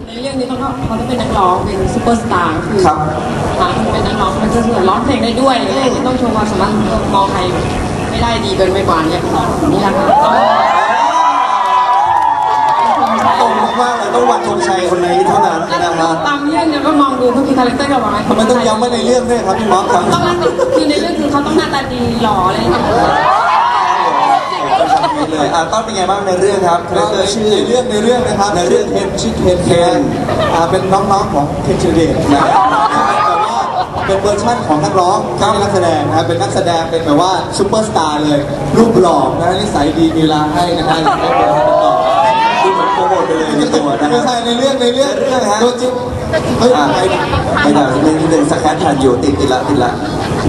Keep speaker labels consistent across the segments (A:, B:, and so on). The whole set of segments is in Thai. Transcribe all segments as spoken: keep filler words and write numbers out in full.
A: ในเรื่องนี้เขาก็เขาจะเป็นนักร้องเป็นซูเปอร์สตาร์คือ
B: ครับ
A: เป็นนักร้องมันจะเหมือนร้องเพลงได้ด้วยอะไรอย่างเงี้ยต้องโชว์ความสามารถมองใครไม่ได้ดีเกินไปกว่านี้นี่แหละค่ะ
B: ตรงมากเลยต้องวันธงชัยคนนี้เท่านั้นนะครับ
A: ตามเรื่องเนี่ยก็มองดูเขามีคาแรคเตอร์กับอะไร
B: ทำไมต้องย้ำว่าในเรื่องด้วยครับพี่ม็อกครับ
A: ต้องคือในเรื่องคือเขาต้องหน้าตาดีหล่ออะไรอย่างเงี้ย
B: เลยอ่าต้นเป็นไงบ้างในเรื่องครับคาแรคเตอร์ชื่อ
C: ในเรื่องในเรื่องนะครับ
B: ในเรื่องเทนชื่อเทน
C: เทนอ่าเป็นน้องๆของเทนเชเดตนะแต่ว่าเป็นเวอร์ชั่นของนักร้องไม่ใช่นักแสดงนะครับเป็นนักแสดงเป็นแบบว่าซูเปอร์สตาร์เลยรูปหล่อนะนิสัยดีมีเวลาให้นะฮะไม่เป็นไรต่อ
B: ดูเหมือนโปรโมทไปเลยในตัวนะ
C: ไม่ใช่ในเรื่องในเรื่อง
B: เรื่องฮะ
C: ตัวจริง
B: เฮ้ยไม่ไม่ได้ไม่ได้สแครปทันอยู่ติดติดละติดละ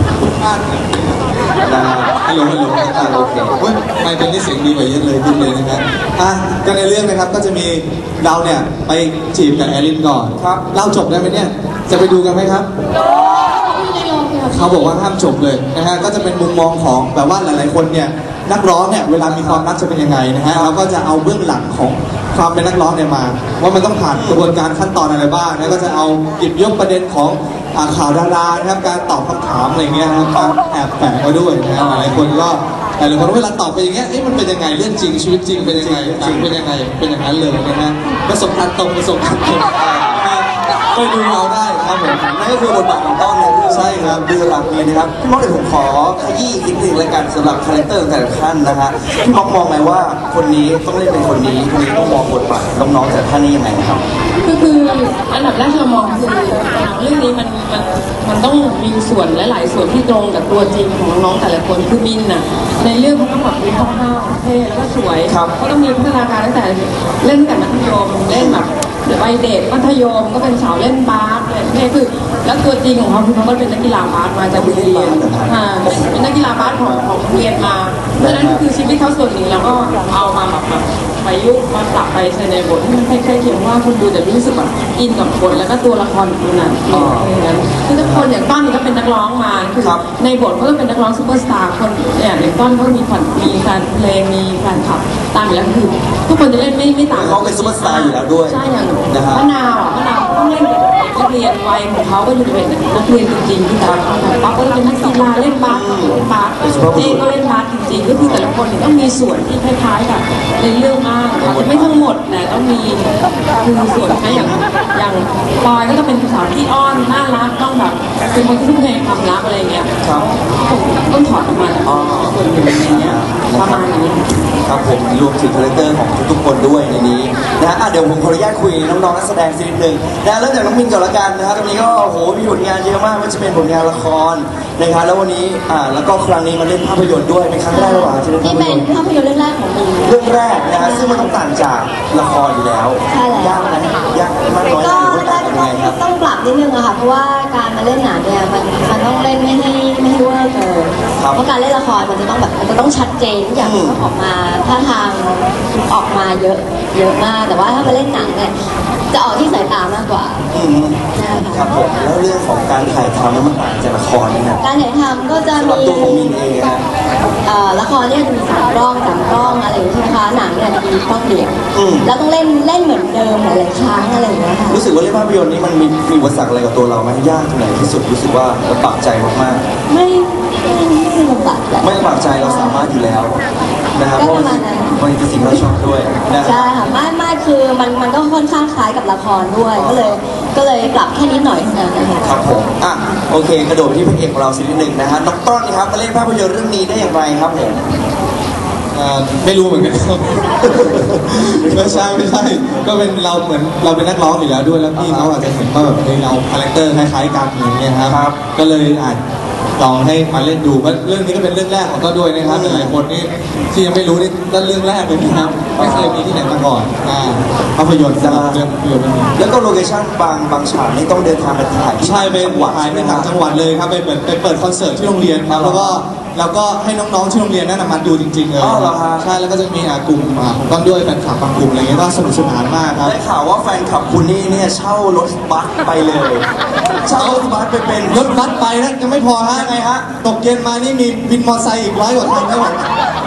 C: นะฮัลโหลฮัลโหลอ่าโอเคเฮ้ยไม่เป็นที่เสียงดีกว่าเยอะเลยขึ้นเลยนะครับอ่ะก็ในเรื่องนะครับก็จะมีเราเนี่ยไปจีบกับแอลินก่อนครับเล่าจบได้ไหมเนี่ยจะไปดูกันไหมครับเขาบอกว่าห้ามจบเลยนะฮะก็จะเป็นมุมมองของแบบว่าหลายๆคนเนี่ยนักร้องเนี่ยเวลามีความรักจะเป็นยังไงนะฮะเราก็จะเอาเบื้องหลังของความเป็นนักร้องเนี่ยมาว่ามันต้องผ่านกระบวนการขั้นตอนอะไรบ้างแล้วก็จะเอาหยิบยกประเด็นของข่าวดารานะครับการตอบคำถามอะไรเงี้ยนะครับการแอบแฝงมาด้วยนะฮะหลายคนก็หลายคนเวลาตอบไปอย่างเงี้ยเอ๊ะมันเป็นยังไงเรื่องจริงชีวิตจริงเป็นยังไงจริงเป็นยังไงเป็นอย่างนั้นเลยนะฮะประสบการณ์ตรงประสบการณ์ตรงไปดูเอาได้ครับผม
B: นั่นก็คือบทบาทของต้นในเรื่อง
C: ใช่ครับ
B: ดูหลักเลยนะครับพี่ม็อกเดี๋ยวผมขอขยี้อีกนิดนึงรายการสำหรับคาแรคเตอร์ของแต่ละท่านนะฮะพี่ม็อกมองไหมว่าคนนี้ต้องเล่นเป็นคนนี้คนนี้ต้องมองบทบาทน้องๆแต่ท่านนี้ยังไงครับ
A: ก็คืออันดับแรกที่เรามองคือเรื่องนี้มันมันมันต้องมีส่วนหลายๆส่วนที่ตรงกับตัวจริงของน้องๆแต่ละคนคือมินน่ะในเรื่องเขาต้องแบบมีคร่าวๆเท่แล้วก็สวยเขาต้องมีพัฒนาการตั้งแต่เล่นตั้งแต่มัธยมเล่นแบบวัยเด็กมัธยมก็เป็นสาวเล่นบาสเนี่ยคือแล้วตัวจริงของเขาคือเขาก็เป็นนักกีฬาบาสมาจากโรงเรียนเป็นนักกีฬาบาสของของโรงเรียนมาเพราะฉะนั้นคือชีวิตเขาส่วนหนึ่งเราก็เอามาแบบแบบประยุกต์มาปรับไปใช้ในบทที่มันใกล้ๆเคียงว่าคนดูจะรู้สึกแบบอินกับบทแล้วก็ตัวละครคนนั้นอย่างนั้นคือทุกคนอย่างต้นนี่ก็เป็นนักร้องมาคือในบทเขาก็เป็นนักร้องซูเปอร์สตาร์คนเนี่ยอย่างต้นเขามีฝันมีแฟนเพลงมีแฟนคลับตามอยู่แล้วคือทุกคนจะเล่นไม่ไม่ต่าง
B: เขาเป็นซูเปอร์สตาร์อยู่แล้วด้วย
A: ใช่อย่างมะนาวอ่ะมะนาวต้องเล่นเป็นนักเรียนวัยของเขาก็อยู่เป็นนักเรียนจริงๆที่แต่ป๊อปก็เป็นนักกีฬาเล่นบาสเล่นบาสเจ๊ก็เล่นบาสจริงๆก็คือแต่ละคนต้องมีส่วนที่คล้ายๆกับในเรื่องมากอาจจะไม่ทั้งหมดแต่ต้องมีคือส่วนนะอย่างอย่างปอยก็ต้องเป็นสาวที่อ้อนน่ารักต้องแบบเป็นคนที่ทุ่มเทความรักอะไรเงี้ยต้องถอดออกมาส่วนหนึ่งอะไรเงี้ยประมาณนี้
B: ครับผมรวมถึงคาแรคเตอร์ของทุกๆคนด้วยในนี้นะฮะเดี๋ยวผมขออนุญาตคุยน้องๆนักแสดงสักนิดนึงนะเริ่มจากน้องมินก่อนละกันนะครับตรงนี้ก็โหมีผลงานเยอะมากว่าจะเป็นผลงานละครนะครับแล้ววันนี้อ่าแล้วก็ครั้งนี้มาเล่นภาพยนตร์ด้วยเป็นครั้งแรกหรือเปล่าที่เล่นภาพยนตร์
D: นี่เป็นภาพยนตร์เรื่องแรกของมิน
B: เรื่องแรกนะฮะซึ่งมันต้องต่างจากละครอยู่แล้ว
D: ใช่แล้ว
B: ยากนะยากมากน้อยหรือว่าต่างยังไงครับ
D: ต้องปรับนิดนึงอะค่ะเพราะว่าการมาเล่นหนังเนี่ยมันมันต้องเล่นไม่ให้ไม่ให้เวอร์เกินเพราะการเล่นละครมันจะต้องแบบมันจะต้องชัดเจนทุกอย่างต้องออกมาท่าทางออกมาเยอะเยอะมากแต่ว่าถ้ามาเล่นหนังเนี่ยจะออกที่สายตามากกว่า
B: ครับผมแล้วเรื่องของการถ่ายทำมันต่างจากละครนะ
D: การถ่ายทำก็จะมี
B: ตัวของมินเอง
D: ละครเนี่ยจะมีสามกล้องสามกล้องอะไรอย่างเงี้ยใช่ไหมคะหนังเนี่ยจะมีกล้องเดียวแล้วต้องเล่นเล่นเหมือนเดิมหลายๆครั้งอะไรอย่างเงี้ยค่ะ
B: รู้สึกว่าเล่นภาพยนตร์นี้มันมีมีอุปสรรคอะไรกับตัวเราไหมยากที่ไหนที่สุดรู้สึกว่าลำบากใจมาก
D: ๆไม่ไม่ลำบากใจ
B: ไม่ลำบากใจเราสามารถอยู่แล้วนะครับเพราะมันเป็นสิ่งเราชอบด้วยนะ
D: ใช่ค่ะไม่ไม่คือมันมันก็ค่อนข้างคล้ายกับละครด้วยก็เลยก็เลยปรับแค่นิดหน่อยเท่านั้นนะคะ
B: ครับผมอ่ะโอเคกระโดดที่พระเอกของเราสักนิดหนึ่งนะฮะน้องต้นนะครับมาเล่นภาพยนตร์เรื่องนี้ได้อย่างไรครับผม
C: ไม่รู้เหมือนกันไม่ใช่ไม่ใช่ก็เป็นเราเหมือนเราเป็นนักร้องอยู่แล้วด้วยแล้วพี่เขาอาจจะเห็นว่าแบบเราคาแรคเตอร์คล้ายๆกันอย่างเงี้ยครับก็เลยอาจลองให้มาเล่นดูว่าเรื่องนี้ก็เป็นเรื่องแรกของก็ด้วยนะครับหลายคนนี่ที่ยังไม่รู้นี่ก็เรื่องแรกเลยนะครับไม่เคยมีที่ไหนมาก่อนภาพยนตร์จะเรื่องภาพยนตร์
B: แล้วก็โลเคชั่นบางบางฉากนี่ต้องเดินทางไปถ่าย
C: ใช่ไปถ่ายไปต่างจังหวัดเลยครับไปเปิดไปเปิดคอนเสิร์ตที่โรงเรียนครับแล้วก็แล้วก็ให้น้องๆที่โรงเรียนนั่นมาดูจริงๆเลยใช่แล้วก็จะมีกลุ่มของต้นด้วยแฟนคลับบางกลุ่มอะไรเงี้ยก็สนุกสนานมากครับ
B: ได้ข่าวว่าแฟนคลับคุณนี่เนี่ยเช่ารถบัสไปเลยเช่ารถบัสไปเป็น
C: รถบัสไปนะยังไม่พอฮะไงฮะตกเย็นมานี่มีวินมอเตอร์ไซค์อีกร้อยกว่าคันด้วย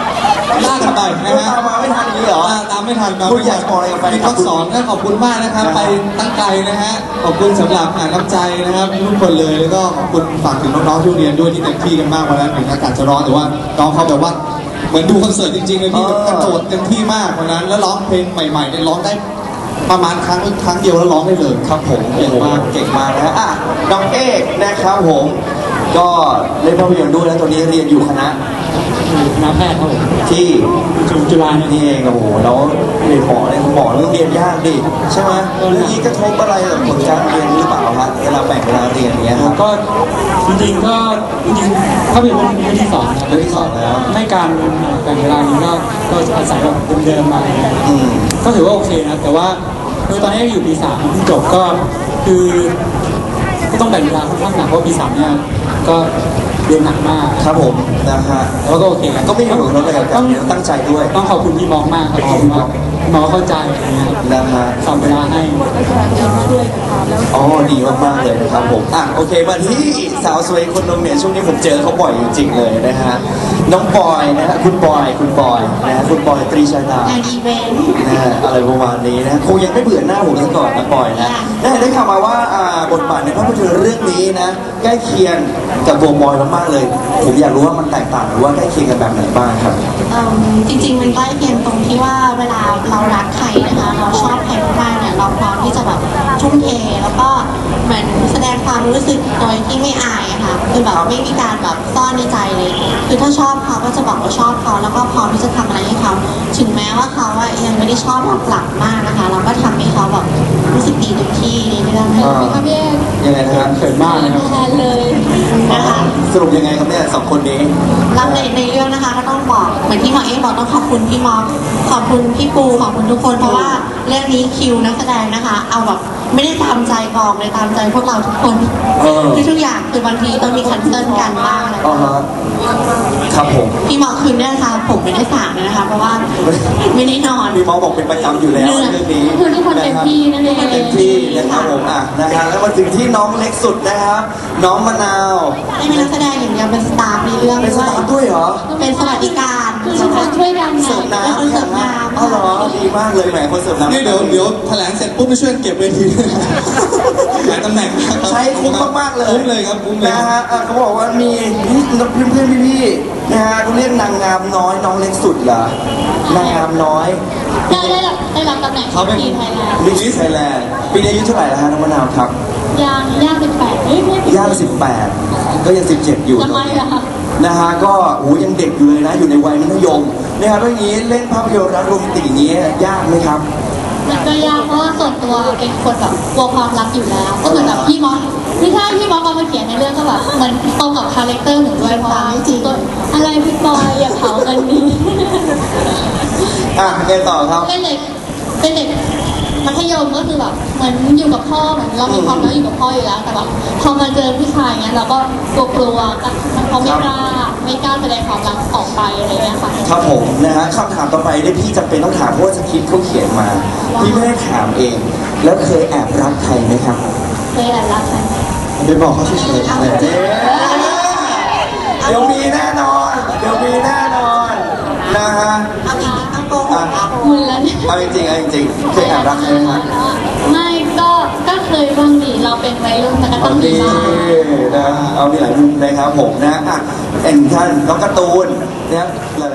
C: ลากกันไปนะฮะ
B: ตามมาไม่ทันอย่างนี้เหรอ
C: ตามไม่ทันมา
B: คุณอยากบอกอะไรกับแฟน
C: มี
B: คลั
C: ข้
B: บ
C: อสอนนะขอบคุณมากนะครับไปตั้งไกลนะฮะขอบคุณสำหรับอ่าน้ำใจนะครับทุกคนเลยแล้วก็ขอบคุณฝากถึงน้องๆที่โรงเรียนด้วยที่เต็มที่กันมากวันนั้นถึงอากาศจะร้อนแต่ว่าน้องเขาแบบว่าเหมือนดูคอนเสิร์ตจริงๆเลยพี่กระโดดเต็มที่มากวันนั้นแล้วร้องเพลงใหม่ๆเนี่ยร้องได้ประมาณครั้งครั้งเดียวแล้วร้องได้เลยครับผม
B: เก่งมากเก่งมากนะฮะอ่ะน้องเอกนะครับผม ก็เล่นภาพยนตร์ด้วยแล้วตอนนี้เรียนอยู่คณะ
E: คณะแพทย์ครับผม
B: ที่
E: จุฬาเนี่ย
B: นี่เองโอ้โหแล้วเรียนหมอเนี่ยหมอเรื่องเรียนยากดิใช่ไหมเรื่องนี้กระทบอะไรกับผลการเรียนหรือเปล่าฮะเวลาแบ่งเวลาเรียนเนี้ยครับ
E: ก็จริงๆก็จริงๆถ้าเป็นวันที่สองนะ
B: เรื่องที่สองแล้ว
E: ไม่การแบ่งเวลานี้ก็ก็อาศัยแบบเดิมๆมา
B: อืม
E: ก็ถือว่าโอเคนะแต่ว่าคือตอนนี้อยู่ปีสามเพิ่งจบก็คือก็ต้องแบ่งเวลาค่อนข้างหนักเพราะปีสามเนี่ยก็เรียนหนักมาก
B: ครับผมนะฮะ
E: แล้วก็โอเค
B: ก็ไม่มีผลกระทบอะไรกับการเรียนตั้งใจด้วย
E: ต้องขอบคุณพี่มองมากครับขอบคุณมากมองเข้าใจอะไรเงี้ยครับ
B: นะฮะ
E: สอนเวลาให้
B: อ๋อดีมากๆเลยนะครับผมอ่ะโอเคมาที่สาวสวยคนนึงเนี่ยช่วงนี้ผมเจอเขาบ่อยจริงๆเลยนะฮะน้องบอยนะฮะคุณบอยคุณบอยนะฮะคุณบอยตรีชาดาง
D: านอีเวนต์
B: นะฮะอะไรประมาณนี้นะคงยังไม่เบื่อหน้าผมซะก่อนนะบอยนะได้ได้ข่าวมาว่าอ่าบทบาทในภาพยนตร์เรื่องนี้นะใกล้เคียงกับตัวบอยมากๆเลย ผมอยากรู้ว่ามันแตกต่างหรือว่าใกล้เคียงกันแบบไหนบ้างครับ
F: เอิ่มจริงๆมันใกล้เคียงตรงที่ว่าเวลาเรารักใครนะคะเราชอบใครมากๆเนี่ยเราพร้อมที่จะแบบทุ่มเทแล้วก็เหมือนแสดงความรู้สึกโดยที่ไม่อายอะค่ะคือแบบไม่มีการแบบซ่อนในใจเลยคือถ้าชอบเขาก็จะบอกว่าชอบเขาแล้วก็พร้อมที่จะทำอะไรให้เขาถึงแม้ว่าเขาอะยังไม่ได้ชอบเรากลับมากนะคะ เราก็ทำให้เขาแบบรู้สึกดีเต็มที่ในเรื่องนี้
B: อ่า
F: ค่ะพี่เอก
B: ยังไงนะฮะ
E: เขินมากนะครับ
F: แทนเลยนะคะ
B: สรุปยังไงครับเนี่ยสองคนนี้
F: แล้วในในเรื่องนะคะก็ต้องบอกเหมือนที่หมอเอ๊บอกต้องขอบคุณพี่มอสขอบคุณพี่ปูขอบคุณทุกคนเพราะว่าเรื่องนี้คิวนักแสดงนะคะ เอาแบบไม่ได้ตามใจกองเลยตามใจพวกเราทุกคน
B: เออ
F: คือทุกอย่างคือบางทีต้องมีคันเซิลกันบ้างอะไร
B: อ๋อฮะครับผม
F: พี่มอสคืนนี้นะคะผมไม่ได้สางเลยนะคะ เพราะว่าไม่ได้นอน
B: มีหมอบอกเป็นประจำอยู่แล้ว
F: เหนื่อย
B: เรื่องนี้
F: คือทุกคนเต็มที่นั่นเอง
B: เต็มที่นะครับผมอ่ะนะฮะแล้วมาถึงที่น้องเล็กสุดนะครับ น้องมะนาว
F: ได้เป็นนักแสดงอย่างเดียวเป็นสตาฟในเรื่อง
B: เป็นส
F: ด้วย
B: ตาฟด้วยเหรอ
F: เป็นสวัสดิการ
D: คือทุกคนช่วยกันไง
B: เสิร์ฟน้ำ
F: เป็นคนเสิร์ฟน้ำ
B: อ๋อเหรอดีมากเลยแหมคนเสิร์ฟน้ำ
C: นี่เดี๋ยวเดี๋ยวแถลงเสร็จปุ๊บไปช่วยเก็บเวทีด้วยนะหลายตำแหน่งนะครับ
B: ใช้คุ้มมากๆเลย
C: คุ้มเลยครับคุ้มเลย
B: นะฮะอ่ะเขาบอกว่ามีเพื่อนเพื่อนๆพี่ๆนะฮะเขาเรียกนางงามน้อยน้องเล็กสุดเหรอนางงามน้อย
F: ได้ได้รับได้รับตำแหน่ง
C: เขาเป็น
F: ทีมไทยแลนด์
B: มิสไทยแลนด์ปีนี้อายุเท่าไหร่แล้วฮะน้องมะนาวครับ
F: ยังย่างสิบแปดเฮ้ยไม่
B: ย่างสิบแปดก็ยังสิบเจ็ดอยู่
F: ทำไมอะคะ
B: นะฮะก็โอ้ยังเด็กอยู่เลยนะอยู่ในวัยมัธยมนะครับเรื่องนี้เล่นภาพยนตร์รักโรแมนติกอย่างนี้ยากไหมครับ
F: มันก็ยากเพราะว่าส่วนตัวเป็นคนแบบกลัวความรักอยู่แล้ว ก็เหมือนแบบพี่มอสไม่ใช่พี่มอสเอามาเขียนในเรื่องก็แบบเหมือนตรงกับคาแรคเตอร์หนูด้วยเพราะว่าจริงๆอะไรพี่บอยอย่าเผากันนี้
B: อ่ะไงต่อครับ
F: เป็นเด็กเป็นเด็กมัธยมก็คือแบบเหมือนอยู่กับพ่อเหมือนเรามีความรักอยู่กับพ่ออยู่แล้วแต่แบบพอมาเจอผู้ชายเงี้ยเราก็กลัวกลัวๆเขาไม่กล้าไม่กล้าแสดงความรักออกไปอะไรเงี้ยค่ะ
B: ครับผมนะฮะคำถามต่อไปได้พี่จำเป็นต้องถามเพราะว่าสคริปต์เขาเขียนมา พี่ไม่ได้ถามเอง แล้วเคยแอบรักใครไหมครับ
F: เคยแอบรักใคร
C: ไปบอกเขาเฉยๆอะไร
B: เอ๊ะเดี๋ยวมีแน่นอน เดี๋ยวมีแน่นอนนะฮะ
F: เอาจริงๆเอาโกห
B: อ่ะ
F: ก
D: มึนแล้วเนี่ย
B: เอาจริงๆเอาจริงๆเคยแอบรักใครไหมครับ
D: ไม่ก็ก็เคยบ้างดิเราเป็นวัยรุ่นมันก็ต้องมี
B: นี่
D: บ้าง
B: นะเอามีหลายมุมนะครับผมนะอ่ะเอ็นท่านน้องการ์ตูนนะครับหลาย